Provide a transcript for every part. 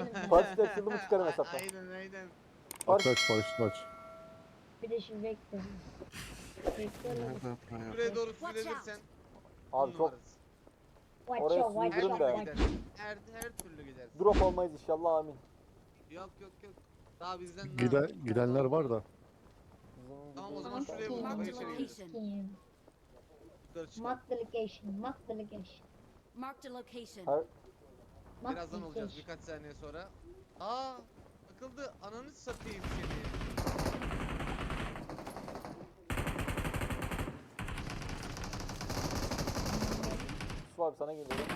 Paraşütle açıldı mı çıkarım hesaptan. Aynen. Paraşüt. Aç paraşütü aç. Bir de şimdi bekliyorum. Bekliyorum. Nerede para? Buraya doğru Watch sürelirsen Abi çok Watch Oraya out, watch her süründürün out, türlü be. watch gidersin. Her türlü gidersin. drop olmayız inşallah, amin. Yok. Daha bizden Gidenler var da. Tamam, o zaman Bizim şuraya gideceğimiz- vurma, Marked içeri a gireriz. location. Yukarı çıkalım. Mark the location, mark the location. Marked a location. Her Mark Birazdan the olacağız, location. birkaç saniye sonra. Aa, takıldı. Ananı satayım seni. Yusuf abi sana geliyorum.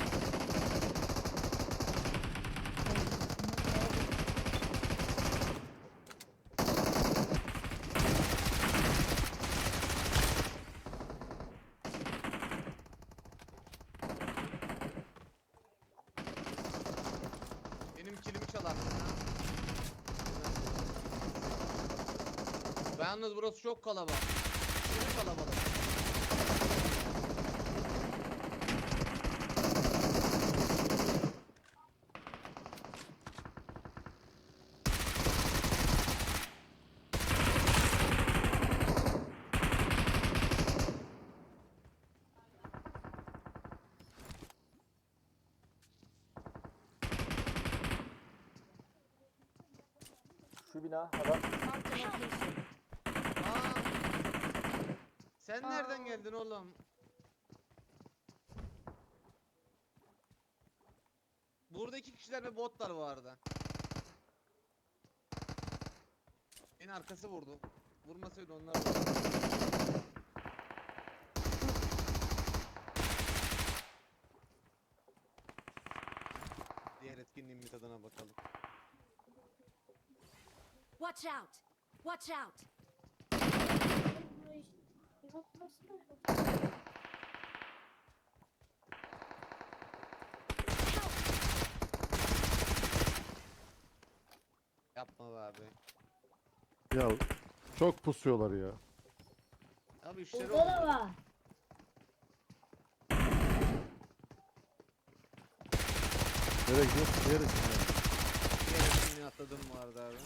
Benim kilimi çalarsın ha. Yalnız burası çok kalabalık. Çok kalabalık. Şu bina adam. Marked a location. Aa, sen nereden geldin oğlum? Burada 2 kişiler ve botlar bu arada. En arkası vurdu. Vurmasaydı onlar vurdu. Diğer etkinliğin bir tadına bakalım. Watch out. Watch out. Yapma be abi. Ya çok pusuyorlar ya. Abi işleri Burada da oldu. var. Nereye gidiyorsun? Nereye gidiyorsun? Diğer etkinliği atladım bu arada abi.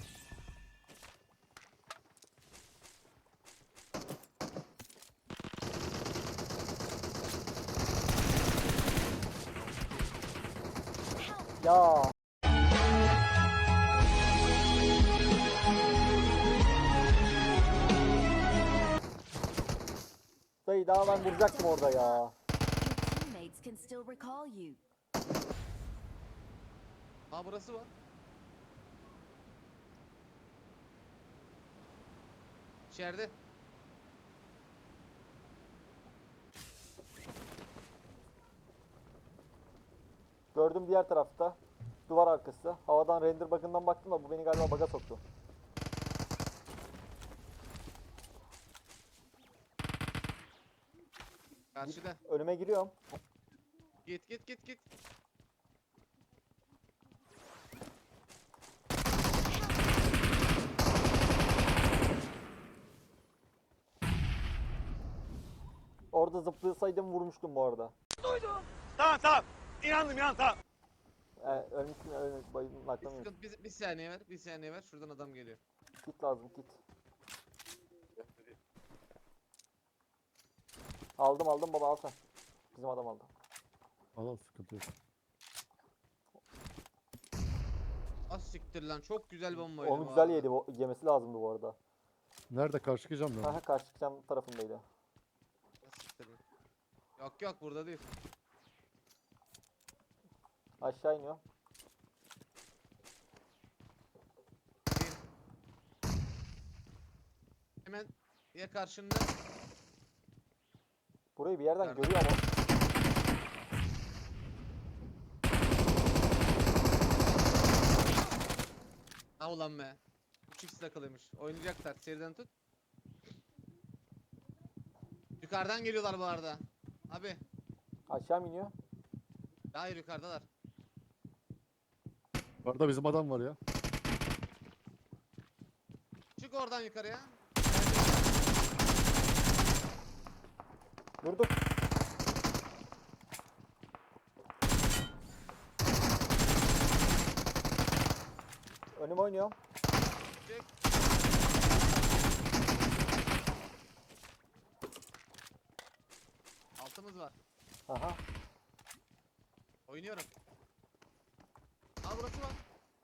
Ya. Dayı daha ben vuracaktım orada ya. Your teammates can still recall you. Aa, burası var. İçeride. Gördüm diğer tarafta. Duvar arkası. Havadan render bug'ından baktım da bu beni galiba bug'a soktu. Karşıda. Önüme giriyorum. Git. Orada zıplasaydım vurmuştum bu arada. Tamam. İnandım tamam. Ölmüşsün, bayıldım, naklamıyorum. Bir saniye ver. Şuradan adam geliyor. Kit lazım, kit. Aldım baba, al sen. Bizim adam aldı. Al sıkıntı yok. Az siktir lan, çok güzel bombaydı. Onu bu güzel arada. yedi, yemesi lazımdı bu arada. Nerede karşı çıkacağım ben? Aha, karşı cam tarafındaydı. Az siktir lan. Yok burada değil. Aşağı iniyor. Hemen ya karşında. Burayı bir yerden Nerede? görüyor ama. Ha ulan be. 3x takılıymış. Oynayacaklar. Seriden tut. Yukarıdan geliyorlar bu arada. Abi. Aşağı mı iniyor? Hayır, yukarıdalar. Orada bizim adam var ya. Çık oradan yukarıya. Vurduk. Önüm oynuyorum. Çek. Altımız var. Aha. Oynuyorum. Aa burası var.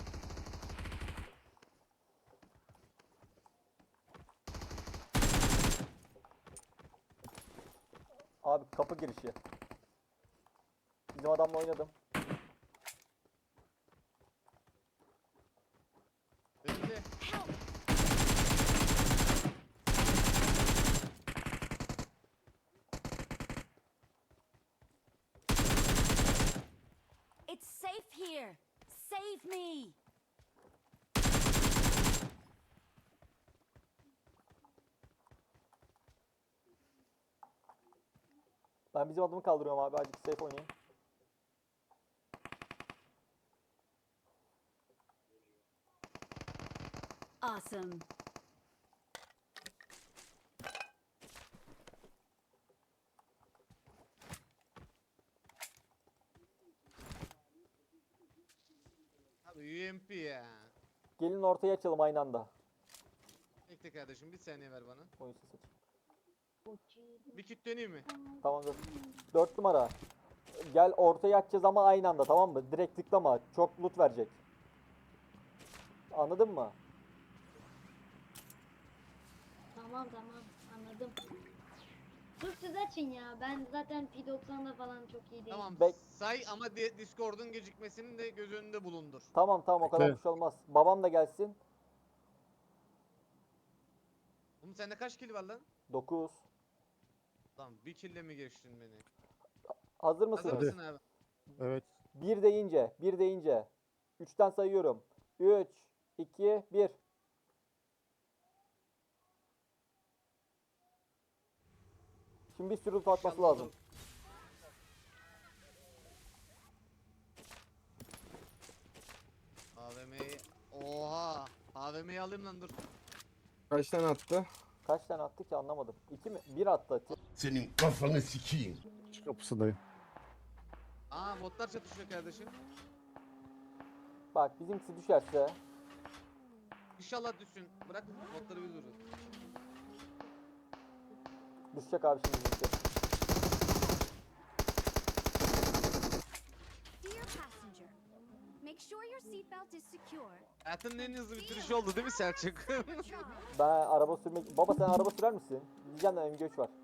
Abi kapı girişi. Bizim adamla oynadım. Önünde. Help! It's safe here. Save me. Ben bizim adamı kaldırıyorum abi. Azıcık safe oynayayım. Awesome. Abi UMP ya. Gelin ortaya açalım aynı anda. Bekle kardeşim bir saniye ver bana. Oyun sesi aç. Bir kit döneyim mi? Tamam dur. 4 numara. Gel ortaya açacağız ama aynı anda, tamam mı? Direkt tıklama. Çok loot verecek. Anladın mı? Tamam tamam anladım. Dur siz açın ya. Ben zaten P90'da falan çok iyi değilim. Tamam Bek- say ama Discord'un gecikmesini de göz önünde bulundur. Tamam tamam, o kadar Bekle. bir şey olmaz. Babam da gelsin. Oğlum sende kaç kill var lan? 9. Tamam bir kill'le mi geçtin beni? Hazır Hazır mısınız? Hadi. mısın abi? Evet. 1 deyince, 1 deyince. 3'ten sayıyorum. 3, 2, 1. Şimdi bir sürü loot atması İnşallah lazım. olur. AVM'yi... Oha! AVM'yi alayım lan dur. Kaç tane attı? Kaç tane attı ki anlamadım. 2 mi? 1 attı. Senin kafanı sikeyim. Şu kapısındayım. Aa botlar çatışıyor kardeşim. Bak bizimkisi düşerse. İnşallah düşsün. Bırak botları biz vururuz. Düşecek abi şimdi bizimki. Dear passenger, make sure your seatbelt is secure. Hayatının en hızlı bitirişi oldu değil mi Selçuk? Charge. Ben araba sürmek... Baba sen araba sürer misin? Diyeceğim de MG3 var.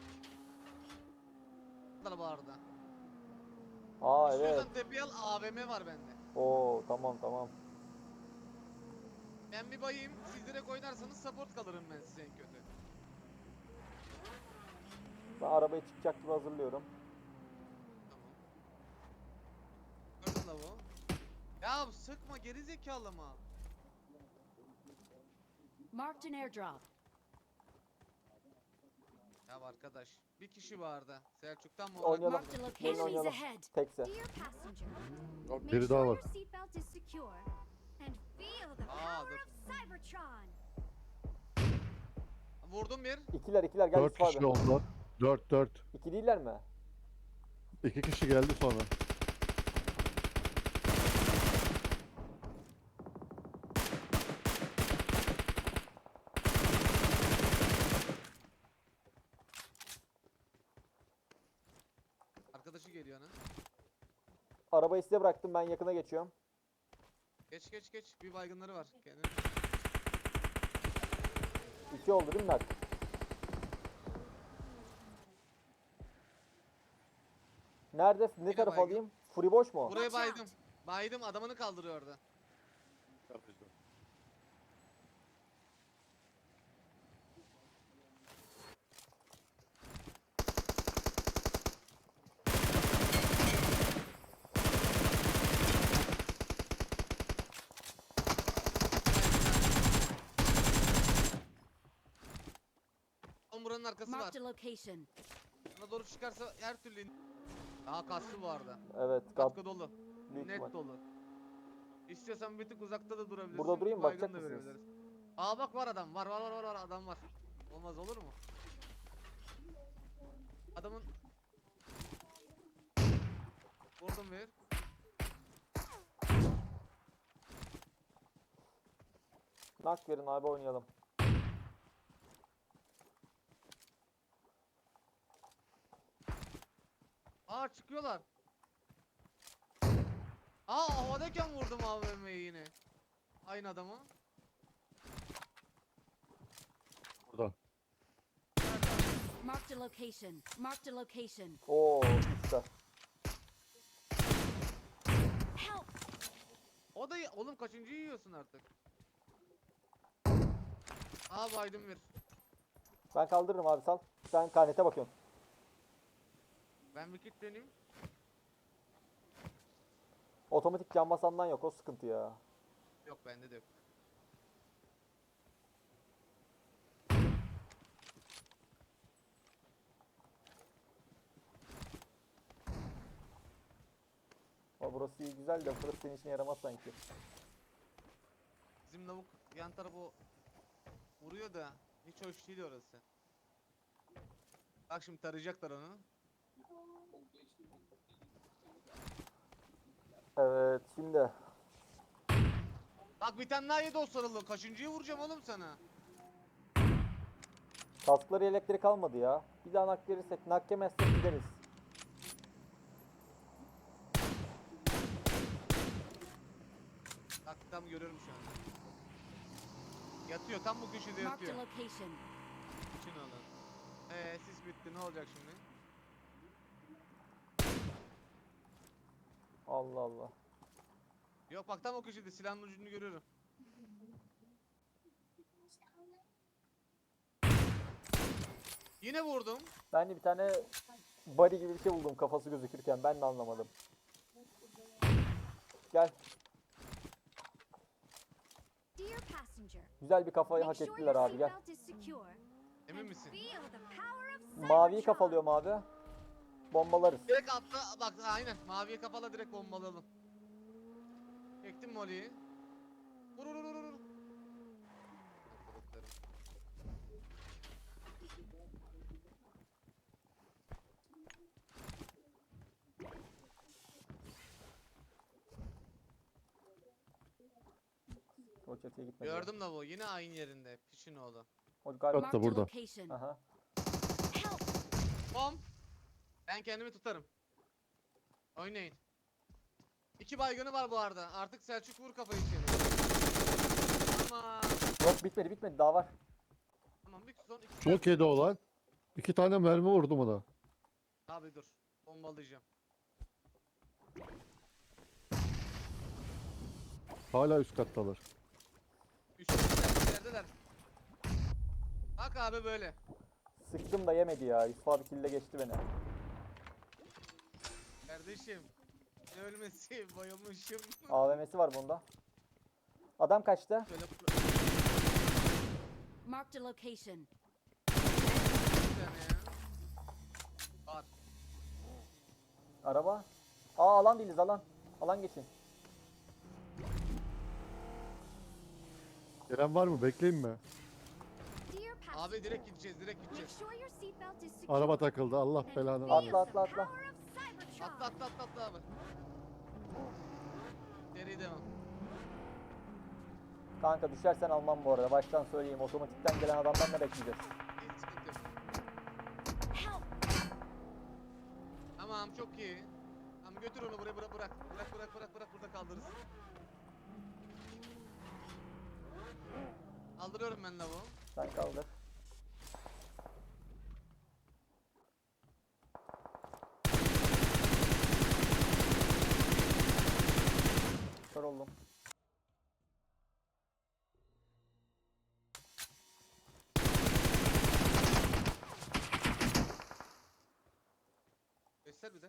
Araba orada. Aa evet. İstiyorsan tepeye al AVM var bende. Oo tamam tamam. Ben bir bayayım. Siz direkt oynarsanız support kalırım ben size en kötü. Ben arabayı çıkacak gibi hazırlıyorum. Tamam. Gördün lavuğu. Ya sıkma geri zekalı mı? Marked an airdrop. Ya arkadaş bir kişi vardı. Selçuk'tan mı? Oynayalım. Marked a Gelin location. Enemies oynayalım. ahead. Tekse. Dear passenger, Bak make biri sure daha your var. seatbelt is secure and feel the Aa, power dur. of Cybertron. Vurdum bir. İkiler gel 4 Yusuf kişi abi. oldular. 4. İki değiller mi? 2 kişi geldi sonra. Arkadaşı geliyor ana. Arabayı size bıraktım, ben yakına geçiyorum. Geç geç geç. Bir baygınları var. Kendine. 2 oldu değil mi Mert? Nerede? Ne tarafa baygın. alayım? Furi boş mu? Buraya Watch out. baydım. Baydım adamını kaldırıyor orada. Tam buranın arkası var. Marked a location. Buna doğru çıkarsa her türlü daha kaslı bu arada. Evet, Katkı dolu. büyük Net ihtimal. dolu. İstiyorsan bir tık uzakta da durabilirsin. Burada durayım, baygın bakacak da mısınız? verebiliriz. Aa bak var adam. Var adam var. Olmaz olur mu? Adamın vurdum bir. Nak verin abi oynayalım. Aa çıkıyorlar. Aa havadayken vurdum AVM'yi yine. Aynı adamı. Burada. Marked a location. Marked a location. Oo usta. Help! O da oğlum kaçıncı yiyorsun artık? Aa baydım bir. Ben kaldırırım abi sal. Sen karnete bakıyorsun. Ben bir kilitleneyim. Otomatik cam basandan yok o sıkıntı ya. Yok bende de yok. O burası iyi güzel de burası senin işine yaramaz sanki. Bizim lavuk yan tarafı vuruyor da hiç hoş değil orası. Bak şimdi tarayacaklar onu. Evet şimdi. Bak bir tane daha yedi o sarılı. Kaçıncıyı vuracağım oğlum sana? Kaskları elektrik kalmadı ya. Bir daha nak verirsek nak yemezsek gideriz. Bak tam görüyorum şu anda. Yatıyor tam bu köşede Marked a yatıyor. location. İçin alın. Sis bitti ne olacak şimdi? Allah Allah. Yok bak tam o köşede silahın ucunu görüyorum. Yine vurdum. Ben de bir tane body gibi bir şey buldum kafası gözükürken ben de anlamadım. Gel. Dear passenger, Güzel bir kafayı make hak sure ettiler your abi gel. seatbelt is secure. Emin and misin? feel the power of Maviyi Cybertron. kafalıyorum abi. Bombalarız. Direkt atla bak aynen maviye kapalı direkt bombalayalım. Çektim Molly'yi. Vur vur vur vur. Vur. O çatıya gitmedi. Gördüm da bu yine aynı yerinde. Piçin oğlu. O galiba. Hatta Marked a burada. location. Aha. Help! Bom. Ben kendimi tutarım. Oynayın. 2 baygını var bu arada. Artık Selçuk vur kafayı içeri. Tamam. Yok bitmedi daha var. Tamam bir son iki. Çok yedi olan. 2 tane mermi vurdum ona. Abi dur. Bombalayacağım. Hala üst kattalar. Üçüncüler yerdeler. Bak abi böyle. Sıktım da yemedi ya. Yusuf abi kille geçti beni. Kardeşim. Ne ölmesi bayılmışım. AVM'si var bunda. Adam kaçtı. Şöyle Marked a location. bir tane ya. Var. Araba. Aa alan değiliz alan. Alan geçin. Gelen var mı? Bekleyeyim mi? Dear passenger, Abi direkt gideceğiz direkt make gideceğiz. sure your seatbelt is secure. Araba takıldı. Allah and belanı feel versin. Atla, the atla, atla. power of Cybertron. Atla abi. Geri devam. Kanka düşersen almam bu arada. Baştan söyleyeyim. Otomatikten gelen adamdan ne bekleyeceğiz? Hiç sıkıntı yok. Help! Tamam çok iyi. Tamam götür onu buraya bırak. Bırak burada kaldırırız. Kaldırıyorum ben lavuğu. Sen kaldır. Kör oldum. Göster bir de.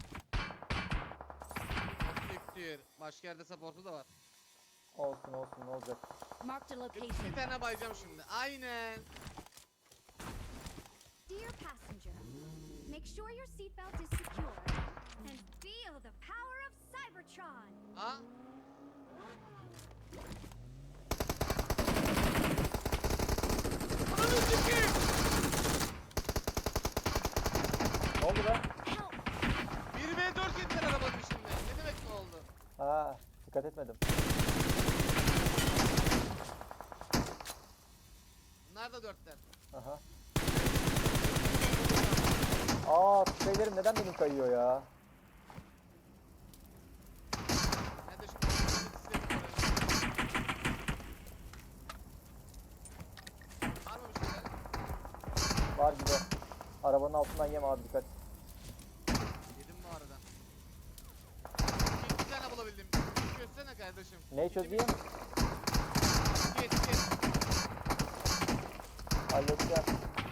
Siktir. Başka yerde support'u da var. Olsun ne olacak. Marked a Bir location. tane bayacağım şimdi. Aynen. Dear passenger, make sure your seatbelt is secure and feel the power of Cybertron. Ha? Ananı sikeyim. Ne oldu be? Help! 1v4 yediler arabanın içinde. Ne demek ne oldu? Ha, dikkat etmedim. Onlar da 4'ler. Aha. Aa, şeylerim neden benim kayıyor ya? Ben de şimdi var mı bir şeyler? Var gibi. Arabanın altından yeme abi, dikkat. Yedim bu arada. Bir tane bulabildim. Çözsene kardeşim. Neyi çözeyim? Git. Halledeceğim.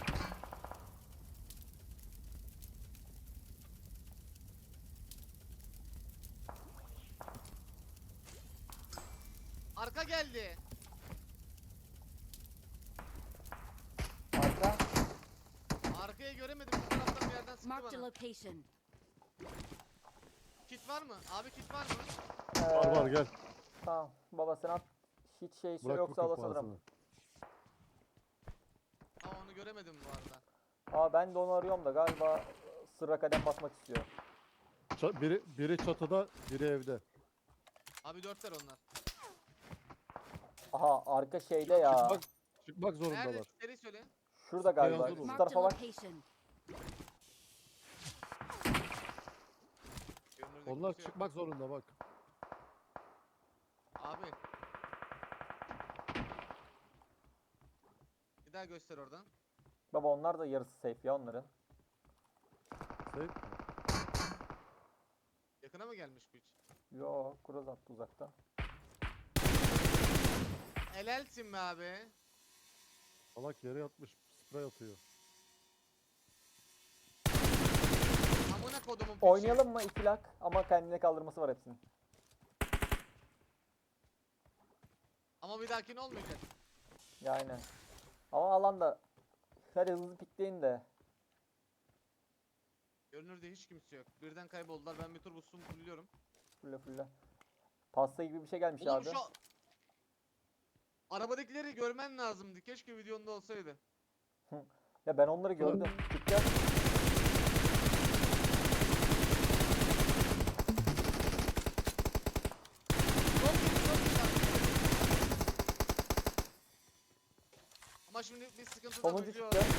Arka geldi. Arka. Arkayı göremedim. Bu taraftan bir yerden sıktı Marked a bana. location. Kit var mı? Abi kit var mı? Var var gel. Tamam. Baba sen at. Hiç şey Bırak yoksa bu alas alırım. kafasını. Ama onu göremedim bu arada. Aa, ben de onu arıyorum da galiba sıra kadem basmak istiyor. Biri çatıda, biri evde. Abi 4'ler onlar. Aha, arka şeyde ya. Çıkmak Nerede? zorundalar. Seri söyle. Şurada galiba. hazır ol. Şu Marked a tarafa bak. location. Görünürde Onlar kimse yok. çıkmak zorunda bak. Abi. Bir daha göster oradan. Baba onlar da yarısı safe ya onların. Sen Yakına mı gelmiş bu hiç? Yo, cross attı uzaktan. Helalsin be abi. salak yere yatmış, sprey atıyor. Amına kodumun piçi. Oynayalım mı 2 lak? Ama kendine kaldırması var hepsinin. Ama bir dahakine olmayacak. Yani. Ama alanda hadi hızlı pikleyin de. Görünürde hiç kimse yok. Birden kayboldular. Ben bir tur bustum fulluyorum. Fulle fulle. Pasta gibi bir şey gelmiş Oğlum abi. şu arabadakileri görmen lazımdı. Keşke videonda olsaydı. Ya ben onları gördüm. Pikler. Çok iyi, çok iyi. Ama şimdi bir sıkıntı da Sonuncu büyüyor. çıktı.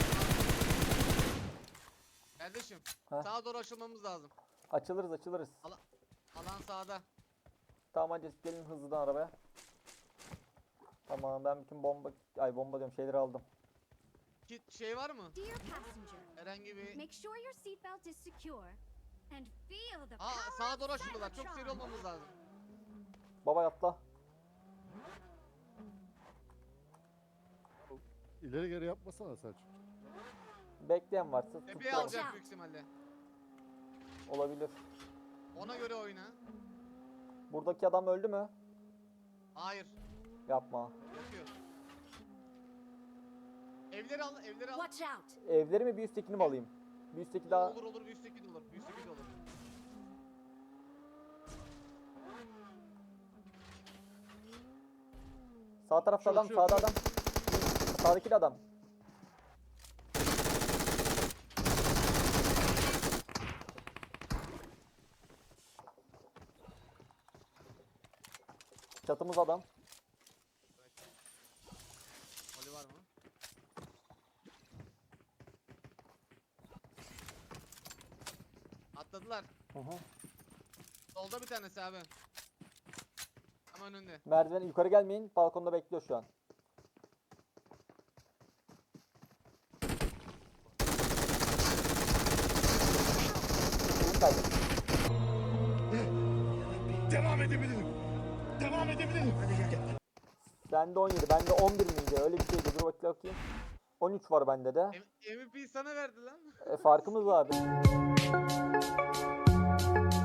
Kardeşim, Heh. sağa doğru açılmamız lazım. Açılırız açılırız. Alan sağda. Tamam hadi gelin hızlıdan arabaya. Tamam, ben bütün bomba diyorum, şeyleri aldım. Kit şey var mı? Dear passenger, Herhangi bir... make sure your seatbelt is secure and feel the Aa, power sağa doğru of açıldılar. Çok seri Cybertron. olmamız lazım. Baba atla. İleri geri yapmasana Selçuk. Bekleyen varsa Tepeye tutuyorum. alacak büyük ihtimalle. Olabilir. Ona göre oyna. Buradaki adam öldü mü? Hayır. Yapma. Yapıyor. Evleri al, evleri al. Watch out! Evleri mi, bir üsttekini mi alayım? Bir üstteki daha... Olur olur, bir üstteki de olur. Bir üstteki de olur. Sağ tarafta Şu, adam, şu, sağda şu. adam. Sağdaki de adam. Çatımız adam. Oli var mı? Atladılar. Hı hı. Solda bir tanesi abi. Tam önünde. Merdiven yukarı gelmeyin. Balkonda bekliyor şu an. Şeyi kaybettim. Devam edebilirim. Devam edebilirim. Hadi gel. Sende 17, bende 11 miydi? Öyle bir şeydi. Dur bakayım. 13 var bende de. MVP sana verdi lan. Farkımız var abi.